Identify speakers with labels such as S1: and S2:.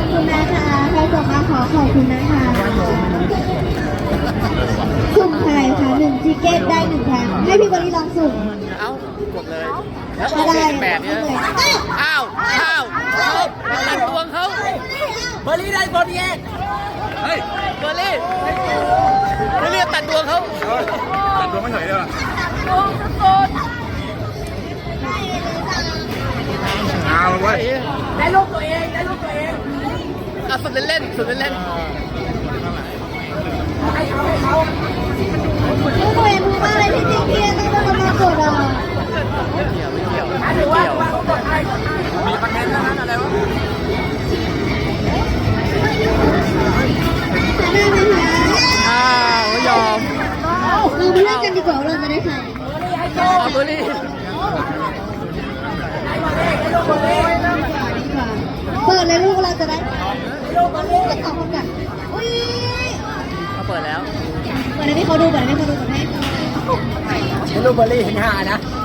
S1: อบคุณนะคะใครส่งมาขอขอบคุณนะคะสุ่มไข่ค่ะ1ทิเกตได้1ครั้งให้พี่บริลองสุ่ม
S2: เอ้ากดเลยแล้วอ
S1: ไม่
S2: อก
S1: ได้
S2: เแบบนี้อ้าวตัดดวงเขาเบอร์รี่ได้บอลแยกเฮ้ยเบอร์รี่เรียกตัดดวงเขาตัดดวงไม่เฉยเลยเอาไว้ได้ลูกตัวเองเอาสุดเล่น
S1: ลูกตัวเองรู้มากเลยที่จริงพี่ต้องเป็นคนมากดอ่ะ
S2: ไม่เกี่ยวมีคอนเทนต์นั้นอะไรวะ
S1: ได้ไหมคะ
S2: ไม่ยอม
S1: เราไปเล่นกันดีกว่าเราจะได้ใคร
S2: เบอร์รี่
S1: เปิดเลยลูกเราจะได้ลูกจะตอบคำกันอุ้ย
S2: เขาเปิดแล้ว
S1: เปิดให้พี่เขาดูก่อนให้
S2: ลูกเบอร์รี่เห็นหานะ